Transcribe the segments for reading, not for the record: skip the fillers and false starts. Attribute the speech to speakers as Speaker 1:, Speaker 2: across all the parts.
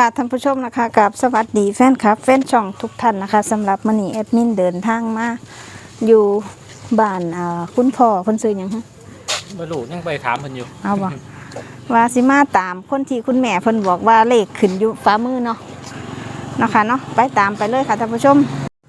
Speaker 1: ค่ะท่านผู้ชมนะคะกับสวัสดีแฟนคลับแฟนช่องทุกท่านนะคะสำหรับมื้อนี้แอดมินเดินทางมาอยู่บ้านคุณพ่อคนซื้อหยังฮะ
Speaker 2: บ่รู้ยังไปถามเพิ่นอยู่
Speaker 1: เอาบ่ว่าสิมาตามคนที่คุณแม่เพิ่นบอกว่าเลขขึ้นอยู่ฝ่ามือเนาะนะคะเนาะไปตามไปเลยค่ะท่านผู้ชม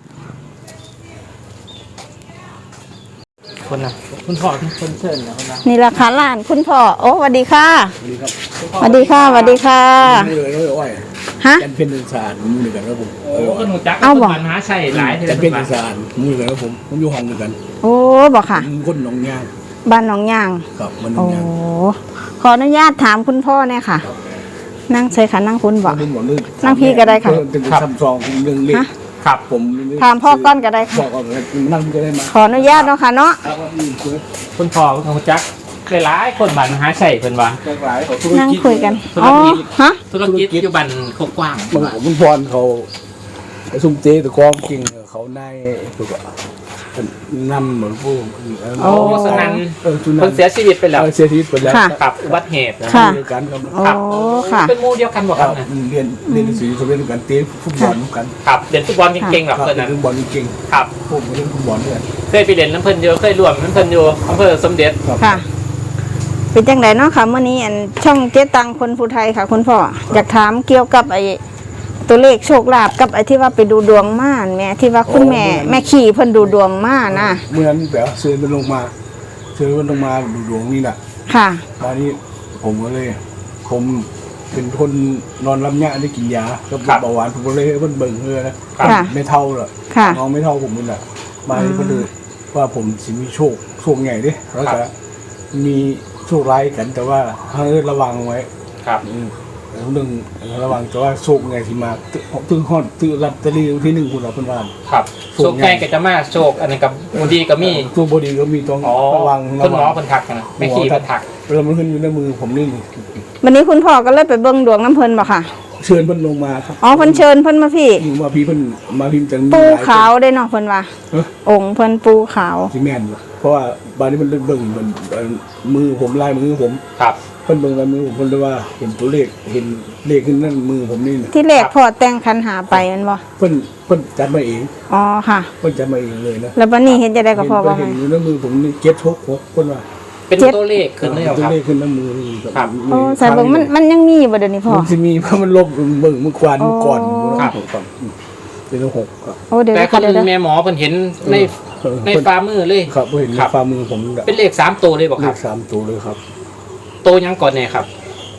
Speaker 2: คนน่ะคุณพ่อคนเชิญนะคนน่ะ
Speaker 1: นี่ราคาร้านคุณพ่อโอ้สวัสดีค่ะสวัสดีค่ะสวัสดีค่ะ
Speaker 3: นี่เลยอ้อย
Speaker 1: ฮะ
Speaker 3: จันเป็นสารมือเดียวกันครับผม
Speaker 2: ก็หนูจักเอาบ่มหาชัยหลาย
Speaker 3: จันเป็นสารมือเดียวกันครับผมอยู่ห้องเดียวกัน
Speaker 1: โอ้บอกค่ะ
Speaker 3: คนหนองยาง
Speaker 1: บ้านหนองยาง
Speaker 3: ครับมันหนองยาง
Speaker 1: โอ้ขออนุญาตถามคุณพ่อเนี่ยค่ะนั่งใช่ค่ะนั่งคุณบอกนั่งพี่ก็ได้ค่ะ
Speaker 3: เป็นซัมซองเรื่องเล็ก
Speaker 2: ครับผม
Speaker 1: ถามพ่อก้อนก็ได้ค่ะ
Speaker 3: พ่อก้อนนั่งก็ได้มา
Speaker 1: ขออนุญาตเนาะค่ะเนาะ
Speaker 2: คุณพ่อคุณจักหลายคนบ้านมหาชัยเพิ่นว่า
Speaker 1: นั่งคุยกันอ๋อฮะ
Speaker 2: ธุรกิจอยู่บ้านกว้าง
Speaker 3: คุณพรเขาซุ่มเจ๊ตะกองจริงเขาในถูกอ่ะนำเหมือนผู้
Speaker 2: โอ้สนั่นเพิ่นเสียชีวิตไปแล้ว
Speaker 3: เสียชีวิตไปแล้ว
Speaker 2: ครับอุบัติเหตุ
Speaker 1: ค่ะ
Speaker 3: เดียวกัน
Speaker 1: ครับโอ้ค่ะ
Speaker 2: เป็นหมู่เดียวกันบ่ครับ
Speaker 3: เรียนสีสมัยเดียวกันเตะฟุตบอลกัน
Speaker 2: ครับเล่นฟุตบอลเก่งๆแบบเพิ่นน่ะ
Speaker 3: ฟุตบอลเก่ง
Speaker 2: ครับ
Speaker 3: ผมเล่นฟุตบอลด้วย
Speaker 2: เคยไปเล่นน้ำเพิ่นอยู่เคยร่วมน้ำเพิ่นอยู่อำเภอสมเด็จ
Speaker 1: ค่ะเป็นจังไดเนาะค่ะเมื่อนี้ช่องเจ๊ตังคนผู้ไทยค่ะคุณพ่ออยากถามเกี่ยวกับไอ้ตัวเลขโชคลาภกับไอ้ที่ว่าไปดูดวงม่านแม่ที่ว่าคุณแม่ขี่เพิ่นดูดวงม่านะ
Speaker 3: เหมือนแบบเชิญมันลงมาดูดวงนี่แหละ
Speaker 1: ค่ะ
Speaker 3: ตอนนี้ผมก็เลยผมเป็นคนนอนรับยาได้กินยาก็เบาหวานผมก็เลยเพิ่นเบิ่งเลยนะไม่เท่าหรอกน้องไม่เท่าผมนี่แหละมาที่ก็เลยว่าผมสิมีโชคใหญ่ดิแล้วก็มีโชคร้ายกันแต่ว่าให้ระวังไว้
Speaker 2: ครับ
Speaker 3: เรื่องระวังแต่ว่าโชคไงที่มาตึ้งฮอดตื้อรับตะลีที่1คุณเราเพิ่นว่า
Speaker 2: ครับโชคใหญ่ก็จะมาโชคอันนั้นกับบ่ดีก็มี
Speaker 3: โชคบ่ดีก็มีต้องระวัง
Speaker 2: เพิ่นหมอเพิ่นทักนะไม่ขี้เพิ่นทัก
Speaker 3: แล้วมันขึ้นอยู่ในมือผมนี่
Speaker 1: วันนี้คุณพ่อก็เลยไปเบิ่งดวงน้ำเพิ่นบ่ค่ะ
Speaker 3: เชิญเพิ่นลงมาครับ
Speaker 1: อ๋อเพิ่นเชิญเพิ่นมาพี่
Speaker 3: มาพี่เพิ่นมาพิมพ์จัง
Speaker 1: ปูขาวได้เนาะเพิ่นว่าองค์เพิ่นปูขาว
Speaker 3: สิแม่นเพราะว่าบ้านนี้มันเบิ่งมันมือผมลายมือผม
Speaker 2: ครับ
Speaker 3: เพิ่นเบิ่งลายมือผมเพิ่นเลยว่าเห็นตัวเลขเห็นเลขขึ้นนั่นมือผมนี่
Speaker 1: ที่เลขพ่อแต่งคันหาไปมันบ่
Speaker 3: เพิ่นจัดมาเอง
Speaker 1: อ๋อค่ะ
Speaker 3: เพิ่นจัดมาเองเลยนะ
Speaker 1: แล้วบัดนี้เห็นจะได้กับพ่อบ่
Speaker 3: เห็นอยู่ในมือผมนี่766เพิ่นว่า
Speaker 2: เป็นตัวเลขขึ้นเลยครับ
Speaker 3: ตัวเลขขึ้นในมือนี่
Speaker 2: ครับ
Speaker 1: โอ้ใส่เบิ่งมันยังมีบ่เดี๋ยวนี้พ่อ
Speaker 3: มันสิมีเพราะมันลบเบิ่งเมื่อก่อนครับเป็น6ครับ
Speaker 1: โอ้เดี๋ยว
Speaker 2: แต่คนแม่หมอเพิ่นเห็นในฝ่ามือเลย
Speaker 3: ครับเห็นในฝ่ามือผม
Speaker 2: เป็นเลข3ตัวเลยบ่ครับ
Speaker 3: เลข3ตัวเลยครับ
Speaker 2: ตัวยังก่อนแน่ครับ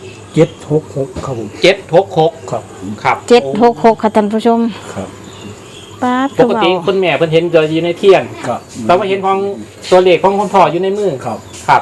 Speaker 3: 766ครับผม
Speaker 2: 766
Speaker 3: ครับ
Speaker 2: ครับ
Speaker 1: 766ค่ะท่านผู้ชม
Speaker 3: ครับ
Speaker 2: ปกติคุณแม่เพิ่นเห็นอยู่ในเทียน
Speaker 3: ครับ
Speaker 2: เรามาเห็นของตัวเลขของคุณพ่ออยู่ในมือ
Speaker 3: ครับ
Speaker 2: ครับ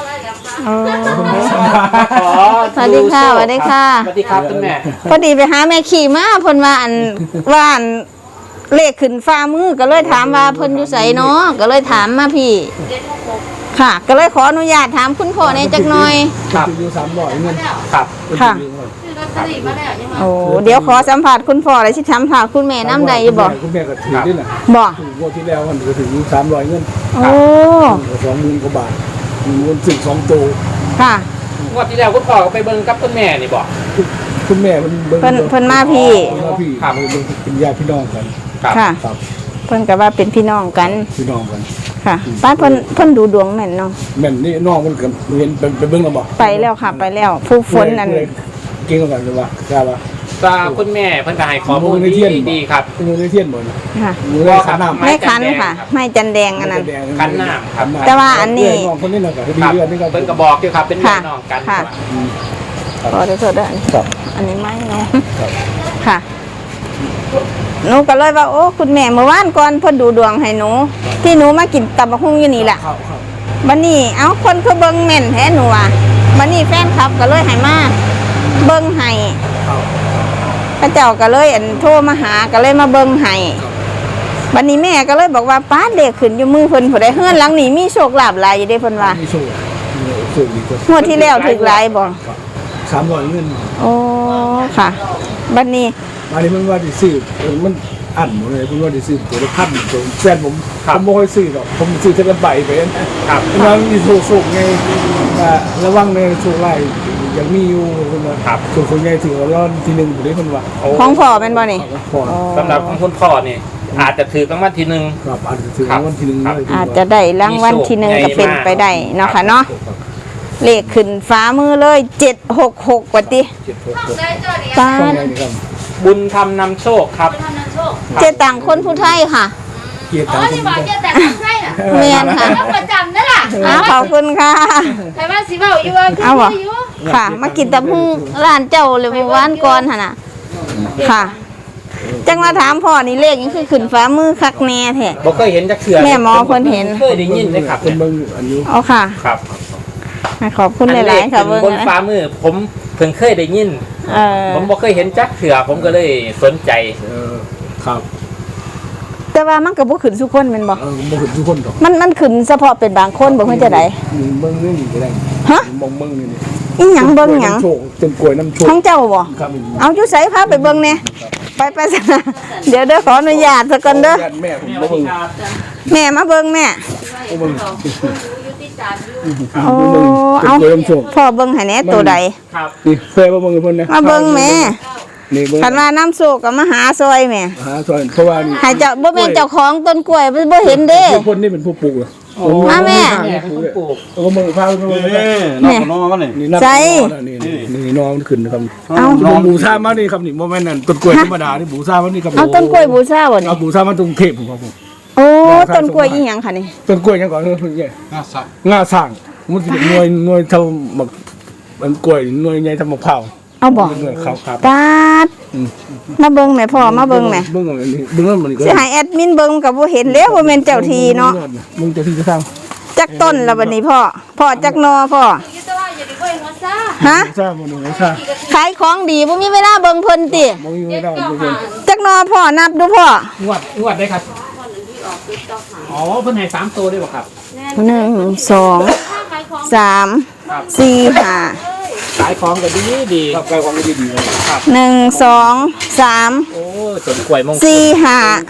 Speaker 1: สวัสดีค่ะสวัสดีค่ะ
Speaker 2: สวัสดีครับคุณแม่
Speaker 1: พอดีไปหาแม่ขี่มาเพิ่นว่าอันเลขขึ้นฟ้ามือก็เลยถามว่าเพิ่นอยู่ไสเนาะก็เลยถามมาพี่ค่ะก็เลยขออนุญาตถามคุณพ่อในจักหน่อย
Speaker 3: ครับอยู่300เงิน
Speaker 2: ครับ
Speaker 1: ค่ะโอ้เดี๋ยวขอสัมผัสคุณพ่อเลยสิสัมผัสคุณแม่น้ำใดบ่
Speaker 3: คุณแม่ก็ถือด้วยน่ะ
Speaker 1: บ่
Speaker 3: งวดที่แล้วมันก็ถึง300เงิน
Speaker 1: โอ้
Speaker 3: 20,000กว่าบาทมันถึง2ตัว
Speaker 1: ค่ะ
Speaker 2: งวดที่แล้วคุณพ่อก็ไปเบิ่งกับคุณแม่นี่บ่
Speaker 3: คุณแม่
Speaker 1: เพิ่นมาพี่
Speaker 3: ครับเป็นญาติพี่น้องกัน
Speaker 1: ค่ะเพิ่นก็ว่าเป็นพี่น้องกันค่ะป้าเพิ่นดูดวงแม่นเนาะ
Speaker 3: แม่นนี่น้องมันก็เห็นไปเบิ่งแล้วบ่
Speaker 1: ไปแล้วค่ะไปแล้วผู้ฝนนั่น
Speaker 3: เก่งกันเลยว่าทราบว่า
Speaker 2: คุณแม่เพิ่นก็ให้ข้อมูลดีครับ
Speaker 3: มือในเทียนบ่
Speaker 1: ค่ะ
Speaker 3: มือในขันน้ำ
Speaker 1: ไม่ขันค่ะไม่จันแดงอันนั้น
Speaker 2: ขันน้ำครับ
Speaker 1: แต่ว่าอันนี้
Speaker 3: น้องคนนี้น่ะก็ดีเรื่องนี้ก็
Speaker 2: เพิ่นก็บอกอยู่ครับเป็นพี่น้องกัน
Speaker 1: ค่ะขอโทษด้วยอันนี้ไม่เนาะค่ะหนูก็เลยว่าโอ้คุณแม่เมื่อวานก่อนเพิ่นดูดวงให้หนูที่หนูมากินตับบักหุ่งอยู่นี่แหละบัดนี้เอ้าคนเขาเบิ่งแม่นแท้หนูอ่ะบัดนี้แฟนคลับก็เลยให้มาเบิ่งให้พระเจ้าก็เลยโทรมาหาก็เลยมาเบิ่งให้บัดนี้แม่ก็เลยบอกว่าป้าเด็กขึ้นอยู่มือเพิ่นผู้ใดเฮือนหลังนี้มีโชคลาภหลายอยู่เด้เพิ่นว่า
Speaker 3: มีโชคดีกว่าง
Speaker 1: วดที่แล้วถูกหลายบ่
Speaker 3: 300เงิน
Speaker 1: โอ้ค่ะบัดนี้
Speaker 3: มันว่าสิซื้อมันอันหมดเลยเพิ่นว่าสิซื้อตัวละ1,000ตัวแฟนผมบ่ค่อยซื้อหรอกผมซื้อแต่ละใบไปครับแล้วมีโชคไงระวังในโชคร้ายยังมีอยู่คนว่า
Speaker 2: ครับ
Speaker 3: ส่วนคนใหญ่ถือว่าทีหนึ่งอยู่ได้คนว่า
Speaker 1: ของพ่อเป็นบ่นี่
Speaker 3: พอ
Speaker 2: สำหรับของคุณพ่อนี่อาจจะถือรางวัลที่หนึ่ง
Speaker 3: ครับอาจจะถือรางวัลทีหนึ่งเลย
Speaker 1: อาจจะได้รางวัลที่หนึ่งก็เป็นไปได้เนาะค่ะเนาะเลขขึ้นฟ้ามือเลย766กว่าติ
Speaker 3: 766
Speaker 1: ป้า
Speaker 3: ช่อง
Speaker 1: ด
Speaker 3: ไหนนี่ครับ
Speaker 2: บุญทำนำโชคครับ
Speaker 1: เจตังคนผู้ไทยค่ะ
Speaker 3: เกียรติ
Speaker 4: อ๋อ
Speaker 3: ตาม
Speaker 4: ที่
Speaker 3: คน
Speaker 4: บอก
Speaker 3: นี้
Speaker 4: จะแต่งให้น่ะ
Speaker 1: เมียนค่ะ
Speaker 4: แล้วประจำนั่นล่ะ
Speaker 1: ขอบคุณค่ะ
Speaker 4: แต่ว่าสิเว้าอยู่ว่าคือ
Speaker 1: เอาบ่
Speaker 4: อยู่
Speaker 1: ค่ะ มากินตำหูร้านเจ้าเลยเมื่อวานก่อนหั่นน่ะค่ะ จังมาถามพ่อนี่เลขยังคือขึ้นฟ้ามือคักแน่แท้
Speaker 2: บ่เคยเห็นจักเทื่อ
Speaker 1: แม่หมอเพิ่นเห็น
Speaker 2: เคยได้ยินเลยครับ
Speaker 3: เป็นเบิ่งอันนี้
Speaker 1: เอาค่ะ
Speaker 2: ครับ
Speaker 1: ขอบคุณหลายๆค่ะ
Speaker 2: อัน
Speaker 1: เบิ่ง
Speaker 2: บน
Speaker 1: นะ
Speaker 2: ฟ้ามือผมเพิ่งเคยได้ยิน ผมบ่เคยเห็นจักเทื่อผมก็เลยสนใจ
Speaker 3: ครับ
Speaker 1: แต่ว่ามันก็บ่ขึ้นทุกคนแม่นบ่
Speaker 3: บ่เห็นทุกคนดอก
Speaker 1: มันขึ้นเฉพาะเป็นบางคนบ่เพิ่นจะได้
Speaker 3: เบิ่งนี่ก็ได้
Speaker 1: ฮะ
Speaker 3: มองเบิ่งนี่
Speaker 1: อีหยังเบิ่งหยัง
Speaker 3: โชคเป็นกล้วยน้ำโชค
Speaker 1: ของเจ้าบ่
Speaker 3: ครับ
Speaker 1: เอาอยู่ไสพาไปเบิ่งแหน่ไปซะนะเดี๋ยวขออนุญาตซะก่อนเด้อ
Speaker 3: แม่ผมบ่เบิ่ง
Speaker 1: แม่มาเบิ่งแม่
Speaker 3: บ่เบิ่ง
Speaker 4: อยู่ที่ศาลอยู่
Speaker 1: โอ้
Speaker 3: เป็น
Speaker 1: เอา
Speaker 3: กล้วยน้ำโชค
Speaker 1: พ่อเบิ่งให้แหน่ตัวใด
Speaker 2: ครับ
Speaker 3: นี่เคยมาเบิ่งกับเพิ่นนะ
Speaker 1: มาเบิ่งแม่
Speaker 3: นี่เบิ่ง
Speaker 1: คันว่าน้ำโศกก็มาหาซอยแม่
Speaker 3: หาส่วนเพราะว่านี่
Speaker 1: ให้เจ้าบ่แม่นเจ้าของต้นกล้วยบ่เห็นเด้
Speaker 3: ทุกคนนี่เป็นผู้ปลูกเหรอ
Speaker 1: มาแม่
Speaker 2: แม่เป็นคนปลูก
Speaker 3: แล้วก็มึงพาไปเบิ่ง
Speaker 1: แม่
Speaker 5: น้องมันนี่
Speaker 3: นี่นับ
Speaker 1: ใจ
Speaker 3: นี่น้องมันขึ้นนะครับ
Speaker 1: เอา
Speaker 3: น้องบูชามานี่ครับนี่บ่แม่นนั่นต้นกล้วยธรรมดานี่บูชามานี่ครับ
Speaker 1: เอาต้นกล้วยบูชาบ่นี่
Speaker 3: เอาบูชามาตรงเทพผมครับผม
Speaker 1: โอ้ต้นกล้วยอีหยังค่ะนี่
Speaker 3: ต้นกล้วยยังก่อนเพิ่นใหญ่
Speaker 5: น่าสัก
Speaker 3: งาสร้างมันสิเป็นหน่วยเท่าหมักมันกล้วยหน่วยใหญ่เท่ามะพร้าว
Speaker 1: เอาบ่
Speaker 3: หน่วยขาวครับ
Speaker 1: ปาดมาเบิ่งแม่พ่อมาเบิ่งแม่
Speaker 3: เบิ่งอันนี้เบิ่งมันนี่ก็
Speaker 1: สิให้แอดมินเบิ่งก็บ่เห็นแล้วว่าแม่นเจ้าทีเนาะ
Speaker 3: มึงเจ้าที่จะสร้าง
Speaker 1: จักต้นแล้วบัดนี้พ่อจักหนอพ่อ
Speaker 4: อยู่แต่ว่าอย่าไปเบิ่งว่าซ่า
Speaker 1: ฮะ
Speaker 3: สร้างบ่นี่สร้าง
Speaker 1: ขายของดีบ่มีเวลาเบิ่งเพิ่นติ
Speaker 3: บ่มีไม่ได้ทุกคน
Speaker 1: จักหนอพ่อนับดูพ่อง
Speaker 2: วดได้ครับอ๋อเพิ่นให้3ตัวได้บ่ครับ
Speaker 1: 1 2
Speaker 4: ถ้าขายของ
Speaker 1: 3 4 5
Speaker 2: ขายของก็ดี
Speaker 3: ครับกายความดีๆเลย
Speaker 1: 1 2 3
Speaker 2: โอ้ต้นกล้วยมงคล
Speaker 1: 4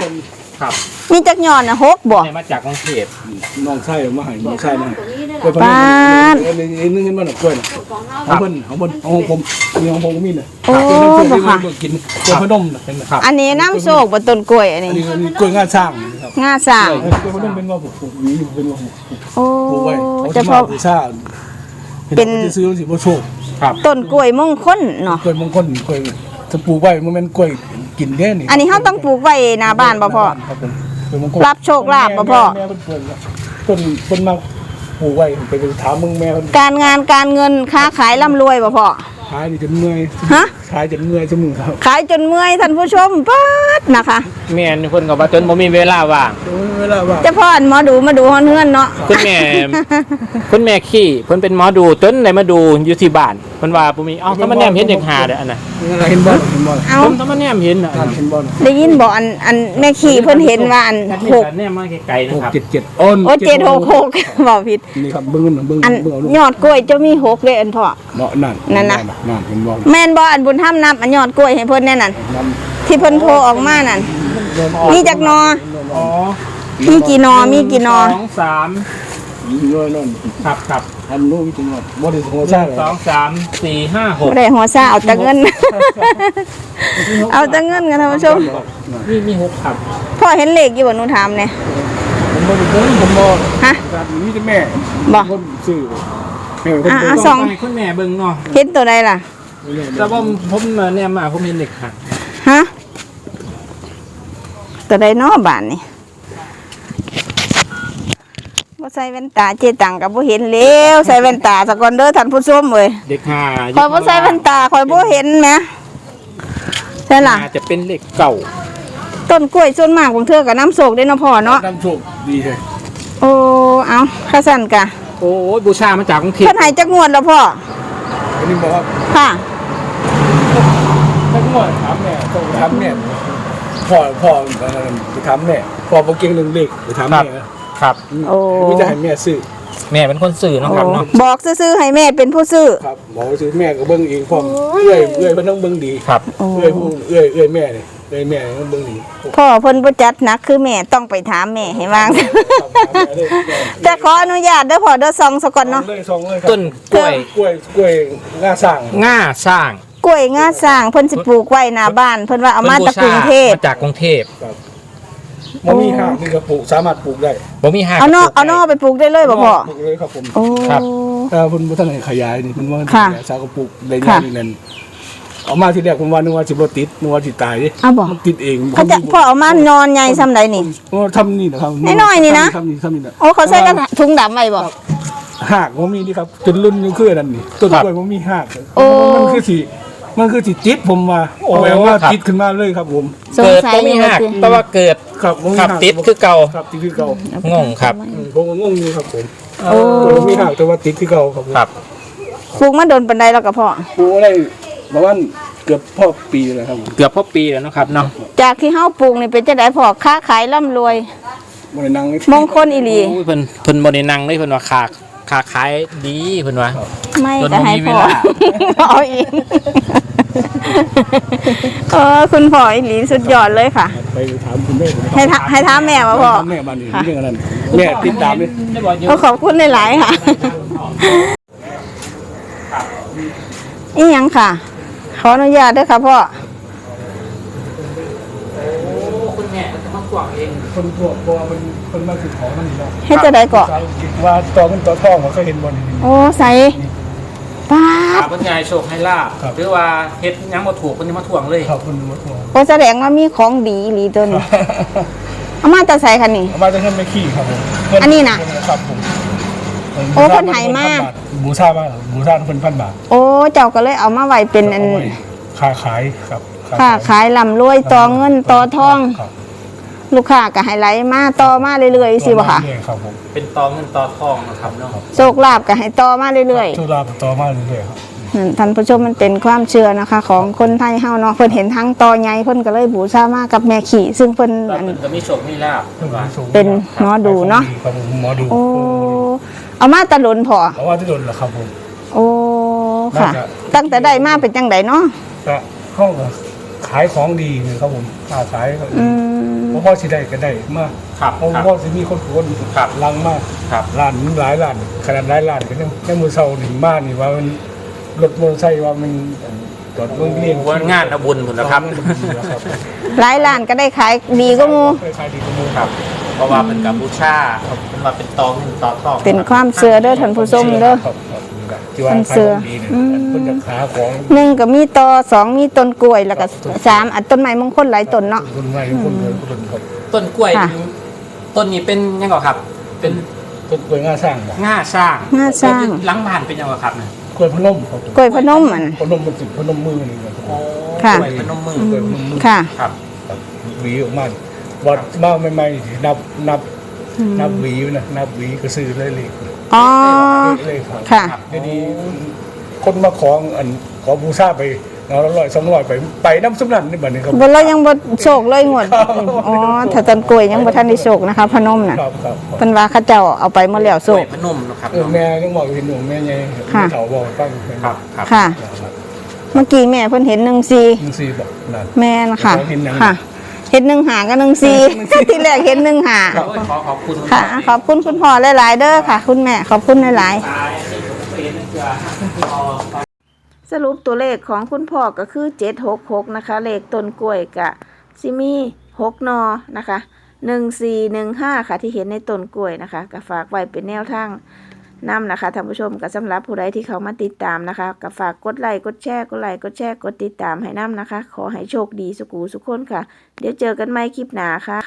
Speaker 1: 5
Speaker 2: ครับ
Speaker 1: มีจักหย่อนน่ะ6บ่
Speaker 2: ให้มาจากกรุงเทพ
Speaker 3: น้องชายเอามาให้น้องชายมาให้
Speaker 4: ตัวนี้นั่น
Speaker 3: กล้วยพัน
Speaker 1: ปาด
Speaker 3: ธุ์นึงเห็นบ่น่ะกล้วยน่ะ
Speaker 4: ของเรา
Speaker 3: เอาเพิ่นเอาของผมมีของผมก็มีน่ะ
Speaker 1: โอ้บ่ค่ะ
Speaker 3: กินกล้วยพนมน่ะเป็นน่ะครับ
Speaker 1: อันนี้น้ำโศกบ่ต้นกล้วยอัน
Speaker 3: อั
Speaker 1: นี้
Speaker 3: นนี้กล้วยงาช้างนะครับ
Speaker 1: งาสร้าง
Speaker 3: กล้วยพนมเป็นว่าผมปลูกอยู่เป็นว่าผม
Speaker 1: โอ้
Speaker 3: ปลูกไว้เขา
Speaker 1: จะ
Speaker 3: จะ
Speaker 1: พ
Speaker 3: มา
Speaker 1: อ
Speaker 3: บูชา
Speaker 1: เป็น
Speaker 3: จะซื้อสิบ่โชค
Speaker 1: ต้นกล้วยมงคลเนาะ
Speaker 3: กล้วยมงคลกล้วยจะปลูกไว้มันเป็นกล้วยกินเด้นี่
Speaker 1: อันนี้เฮาต้องปลูกไว้หน้าบ้านบ่พ่อ
Speaker 3: ครับผมกล้วยมงคล
Speaker 1: รับโชคลาภบ่พ่อ
Speaker 3: แม่เพิ่นเพิ่นเพิ่นมาปลูกไว้ไปถามมึงแม่เพิ่น
Speaker 1: การงานการเงินค้าขายร่ำรวยบ่พ่อ
Speaker 3: ขายนี่จนเมื่อย
Speaker 1: ฮะ
Speaker 3: ขายจนเมื่อยจนมือครับ
Speaker 1: ขายจนเมื่อยท่านผู้ชมป๊าดนะคะ
Speaker 2: แม่นเพิ่นก็ว่าจนบ่มีเวลาว่าง
Speaker 3: เวลาว่า
Speaker 1: เจ้าพ่อหมอดูมาดูฮ้อนเฮือนเนาะ
Speaker 2: คุณแม่ คุณแม่ขี้เพิ่นเป็นหมอดูจนได้มาดูอยู่ที่บ้านเพิ่นว่าบ่มีเอ้าถ้ามันแนมเห็นเด็กหาเด้ออันน่ะ
Speaker 3: เห็นบ่เห็นบ่
Speaker 1: เอา
Speaker 2: ผมถ้ามันแนมเห็นน่ะ
Speaker 3: เห็นบ่
Speaker 1: ได้ยินบอกอันแม่ขี่เพิ่นเห็นว่าอัน
Speaker 2: ถ้ามี
Speaker 1: หก
Speaker 2: การแนมมาไกลๆนะครับ
Speaker 3: 677อ้น
Speaker 1: โอ้766บอกผิด
Speaker 3: นี่ครับเบิ่งเบิ่ง
Speaker 1: อัน
Speaker 3: เบิ่งเอาลูก
Speaker 1: ยอดกล้วยเจ้ามี6เลยอันพ่อ
Speaker 3: เนาะนั่น
Speaker 1: นั่นนะ
Speaker 3: นั่นเห็นบ่
Speaker 1: แม่นบ่อันบุญธรรมนับอันยอดกล้วยให้เพิ่นแน่นั่น
Speaker 3: นั่น
Speaker 1: ที่เพิ่นโทรออกมานั่นมีจักหนอ
Speaker 2: อ๋อ
Speaker 1: มีกี่หนอมีกี่หนอ
Speaker 2: 2 3
Speaker 3: นั่น
Speaker 2: ครับ
Speaker 3: ทำรู้จริงว่าบ่ได้หัวซ่าเลย
Speaker 2: 1 2 3 4 5
Speaker 1: บ่ได้หัวซ่าเอาแต่เงิน เอาแต่เงินกันท่านผู้ชม
Speaker 2: 6มี6ครับ
Speaker 1: พ่อเห็นเลขอยู่บ่หนูถามแหน่
Speaker 3: ผมบ่ได้เบิ่งผมบ่
Speaker 1: ฮะ
Speaker 3: การมีแต่แม่
Speaker 1: บ่
Speaker 3: คนซื้อแม่คน
Speaker 1: อ่ะ
Speaker 3: ซื้อ
Speaker 1: สอง
Speaker 2: ให้คุณแม่เบิ่งเนาะ
Speaker 1: เห็นตัวใดล่ะ
Speaker 2: แต่ว่าผมแนมมาผมเห็นเด็กหัก
Speaker 1: ฮะตัวใดเนาะบ้านนี่บ่ใส่แว่นตาเจตังก็บ่เห็นแล้วใส่แว่นตาซะก่อนเด้อท่านผู้ชมเอ้ย
Speaker 2: เด็กหา
Speaker 1: ข่อยบ่ใส่แว่นตาข่อยบ่เห็นแหมใช่ล่ะ
Speaker 2: อาจจะเป็นเหล็กเก่า
Speaker 1: ต้นกล้วยส่วนมากบางเทื่อก็น้ำโศกได้เนาะพ่อเนาะ
Speaker 3: น้ำโชคดีเลย
Speaker 1: โอ้เอาข้าสั่นกะ
Speaker 2: โอ้ยบูชามาจากกรุงเทพ
Speaker 1: เพิ่นให้จักงวดแล้วพ่อ
Speaker 3: อันนี้บอกว่า
Speaker 1: ค่ะ
Speaker 3: ทั้งหมดถามแม่ต้องถามแม่พ่อไปถามแม่พ่อบ่เก่งเรื่องเลขไปถามแม่
Speaker 2: ครับ
Speaker 1: โอ้
Speaker 3: มีแต่ให้แม่ซื้อ
Speaker 2: แม่เป็นคนสื่อเนาะครับเนาะ
Speaker 1: บอกซื่อๆให้แม่เป็นผู้ซื้อ
Speaker 3: ครับบอกว่าซื้อแม่ก็เบิ่งเองพร้อมเอื้อยเพิ่นต้องเบิ่งดี
Speaker 2: ครับ
Speaker 1: โอ้
Speaker 3: เอื้อยผู้เอื้อยแม่นี่เลยแม่มันเบิ่งนี่
Speaker 1: พ่อเพิ่นบ่จัดหนักคือแม่ต้องไปถามแม่ให้วาง แต่ขออนุญาตเด้อพ่อเด้อซองซะก่อนเนาะ
Speaker 3: เลยซองเลยครับ
Speaker 2: ต้นกล้วย
Speaker 3: กล้วยง่าสร้าง
Speaker 2: ง่าสร้าง
Speaker 1: กล้วยงาสร้างเพิ่นสิปลูกไว้หน้าบ้านเพิ่นว่าเอามาจากกรุงเทพ
Speaker 2: มาจากกรุงเทพ
Speaker 3: มันมีห้างนี่ก็ปลูกสามารถปลูกได้
Speaker 2: บ่มีหาก
Speaker 1: เอานอไปปลูกได้เลยบ่พ่อ
Speaker 3: ปลูกเลยครับผม
Speaker 1: โอ้
Speaker 2: ครับ
Speaker 3: คุณบ่ทันให้ขยายนี่มันว่า
Speaker 1: ค่ะ
Speaker 3: ขยายสาวก็ปลูกได้ยากนี่นั่นเอามาที่แรกผมว่านึกว่าสิบ่ติดนึกว่าสิตายดิ
Speaker 1: เอาบ่
Speaker 3: มันติดเอง
Speaker 1: เขาจะพ่อเอามานอนใหญ่ซำใดนี่
Speaker 3: ทำนี่นะครับ
Speaker 1: น้อยๆนี่นะ
Speaker 3: ทำนี่นะ
Speaker 1: โอ้เขาใส่กระถุงดำไว้บ่
Speaker 3: หากมันมีนี่ครับจนรุ่นยังคือนั่นนี่ต้นกล้วยมันมีหาก
Speaker 1: โอ้
Speaker 3: มันคือสิติดผมมาโอ้แปลว่าติดขึ้นมาเลยครับผม
Speaker 1: สง
Speaker 2: เกิด
Speaker 1: สัย
Speaker 2: บ่มี
Speaker 1: อยู่
Speaker 2: หาก
Speaker 1: ว่าสิ
Speaker 2: แต่ว่าเกิด
Speaker 3: ครับบ่มี
Speaker 2: ขับ
Speaker 3: หาก
Speaker 2: ติดคือเก่า
Speaker 3: ครับติดคือเก่าง
Speaker 2: งครับ
Speaker 3: ผมก็งงอยู่ครับผม
Speaker 1: โอ้
Speaker 3: ผมมีหากแต่ว่าติดคือเก่าครับผม
Speaker 2: ครับ
Speaker 1: ปลูกมาโดนปานใดแล้วก็พ่อ
Speaker 3: ปลูกได้ประมาณเกือบพอปีเลยครับผม
Speaker 2: เกือบพอปีแล้วเนาะครับเนาะ
Speaker 1: จากที่เฮาปลูกนี่เป็นจังได๋พ่อค้าขายร่ำรวย
Speaker 3: บ่ได้นั่ง
Speaker 1: มงคลอีหลี
Speaker 2: โอ้ยเพิ่นบ่ได้นั่งเลยเพิ่นว่าค้าขายดีเพิ่นว่า
Speaker 1: ไม่
Speaker 2: จน
Speaker 1: ก็ให้
Speaker 2: บ่มี
Speaker 1: พ่อ
Speaker 2: เวลา
Speaker 1: เอาอีกคุณพ่ออีหลีสุดยอดเลยค่ะ
Speaker 3: ไปถามคุณแม่ผม
Speaker 1: ให้ถามแม่ว่าพ่อ
Speaker 3: แม่บ้านนี่เรื่องนั้นแม่ติดตามเลย
Speaker 1: ก็ขอบคุณหลายๆค่ะอีหยังค่ะ ขออนุญาตด้วยค่ะพ่อ
Speaker 2: คุณแม่จะมากวางเอง
Speaker 3: คนพวกเพราะว่ามันคนมาคือของมันนี่เนาะ
Speaker 1: เฮ็ดจะได้เกาะ
Speaker 3: ว่าตัวมันตัวทองมันเคยเห็นบ่นี่
Speaker 1: โอ้ใส่ป้า
Speaker 2: ครั
Speaker 1: ด
Speaker 2: บเพิ่นยายโชคให้ลาบ
Speaker 3: ครับ
Speaker 2: หรือว่าเฮ็ดหยังบ่ถูกเพิ่นจะมาทวงเลย
Speaker 3: ครับคุณมาทวง
Speaker 1: โอ้แสดงว่ามีของดีอีหลีตัวนี้เอามาแต่ใส่ค่ะนี่
Speaker 3: เอามาจะเงินไม่ขี้ครับผม
Speaker 1: อันนี้น่ะ
Speaker 3: ครับผม
Speaker 1: โอ้เพิ่นให้มา
Speaker 3: บูชามากบูชาเพิ่น1,000 บาท
Speaker 1: โอ้เจ้าก็เลยเอามาไว้เป็นอัน
Speaker 3: เอาไว้ค้าขายครับ
Speaker 1: ค่าขายลำรวยต่อเงินต่อทอง
Speaker 3: ครับ
Speaker 1: ลูกค้าก็ให้ไหลมาต่อมาเรื่อยๆสิบ่ค่ะ
Speaker 3: เรื่อยๆครับผม
Speaker 2: เป็นตอเงินตอทองนะครับเนาะ
Speaker 1: โชคลาภก็ให้ต่อมาเรื่อย
Speaker 3: ช่วลาบต่อมาเรื่อยๆครับ
Speaker 1: ๆนั่นท่านผู้ชมมันเป็นความเชื่อนะคะ ของคนไทยเฮาเนาะเพิ่นเห็นทั้งต่อใหญ่เพิ่นก็เลยบูชามากับแม่ขี่ซึ่งเพิ่น
Speaker 2: แล้ว
Speaker 1: อัน
Speaker 2: เพิ่นก็มีโชคมีลาบเพิ่นว่า
Speaker 1: เป็นหมอดูเนาะ
Speaker 3: ครับผมหมอดู
Speaker 1: โอ้เอามาตะลุนพอ
Speaker 3: เพราะว่าที่โดนเหรอครับผม
Speaker 1: โอ้ค่ะ
Speaker 3: น่าจะ
Speaker 1: ตั้งแต่ได้มาเป็นจังไดเนาะ
Speaker 3: ก็ห้องขายของดีเลยครับผมค้าขาย
Speaker 1: อืม
Speaker 3: เพราะพ่อสิได้ก็ได้มาก
Speaker 2: ครับ
Speaker 3: เพราะ
Speaker 2: ครับ
Speaker 3: พ่อสิมีคนคน
Speaker 2: ครับ
Speaker 3: ลังมาก
Speaker 2: ครับ
Speaker 3: ร้านมันหลายร้านขนาดหลายร้านก็ยังในมือเซาหนึ่งบ้านนี่ว่ามันรถมอเตอร์ไซค์ว่ามันจอดเมืองเลี้ยง
Speaker 2: ว่างานเอาบุญพุ่นนะครับ
Speaker 3: ครับ
Speaker 1: หลายร้านก็ได้ขายดีก็มู
Speaker 3: เคยขายดีกว่าหมู
Speaker 2: ครับ เพราะว่าเป็นกัมพูชาเพิ่นว่าเป็นตอเงินตอทอง
Speaker 1: เป็นความเชื่อเด้อท่านผู้ชมเด้อ
Speaker 3: ครับครับที่ว่า
Speaker 1: มัน
Speaker 3: ขาย
Speaker 1: เสือ
Speaker 3: ของดีเนี่ย
Speaker 1: อืม
Speaker 3: เพิ่นจะขาของ
Speaker 1: หนึ่งก็มีต่อสองมีต้นกล้วยแล้วก็สามอันต้นไม้มงคลหลายต้นเนาะ
Speaker 3: คนใหม่คนเดินคนครับ
Speaker 2: ต้นกล้วย
Speaker 1: ค่ะ
Speaker 2: ต้นนี้เป็นยังไงครับ เป็น
Speaker 3: ต้นกล้วยง่าสร้างบ่
Speaker 2: ง่าสร้าง
Speaker 1: ง่าสร้าง
Speaker 2: หลังบ้านเป็นยังไงครับเนี่ย
Speaker 3: กล้วยพนมครับผม
Speaker 1: กล้วยพนมอัน
Speaker 3: พนมมันสิพนมมือนี่ครับผม
Speaker 1: ค่ะ
Speaker 2: กล้วยพนมมือก
Speaker 3: ล้วยพนมมือ
Speaker 1: ค่ะ
Speaker 2: ครับ
Speaker 3: ครับหวีออกมาวัดมาใหม่ๆนับหวีนะนับหวีก็ซื้อเลยเลย
Speaker 1: อ๋อ
Speaker 3: เลยครับ
Speaker 1: ค่ะ
Speaker 3: เดี๋ยวนี้คนมาขอบูชาไปเอา100-200ไปน้ำซุปนั่นนี่บัดนี้ครับ
Speaker 1: บนเรายังบ่โชคเลยงวดอ๋อถ้าต้นกล้วยยังบ่ทันได้โชคนะคะ พนมน่ะ
Speaker 3: ครับครับ
Speaker 1: เพิ่นว่าเขาเจ้าเอาไปหมดแล้วโช
Speaker 2: กล้วย
Speaker 1: ค
Speaker 2: พนมนะครับ
Speaker 3: แม่ยังบอกเห็นหนูแม่ใหญ่
Speaker 1: ค่ะ
Speaker 3: เขาบอกฟัง
Speaker 2: ครับครับ
Speaker 1: ค่ะ เมื่อกี้แม่เพิ่นเห็น14
Speaker 3: มึงซีบอกนั่น
Speaker 1: แม่นค่ะ
Speaker 3: เห็นหยัง
Speaker 1: ค่ะ เห็น15กับ14ที่แรกเห็น15
Speaker 2: โอ้ยขอบคุณ
Speaker 1: ค่ะ ขอบคุณคุณพ่อหลายๆเด้อค่ะ คุณแม่ขอบคุณหลายๆ
Speaker 2: ตายนี่ผมเคยเห็นเกลือ
Speaker 1: สรุปตัวเลขของคุณพ่อก็คือ766นะคะ เลขต้นกล้วยกะซิมี6นอนะคะ1415ค่ะที่เห็นในต้นกล้วยนะคะก็ฝากไว้เป็นแนวทางนำนะคะท่านผู้ชมก็สำหรับผู้ใดที่เขามาติดตามนะคะก็ฝากกดไลค์กดแชร์กดติดตามให้นำนะคะ ขอให้โชคดีสุขูสุขคนค่ะ เดี๋ยวเจอกันใหม่คลิปหน้าค่ะ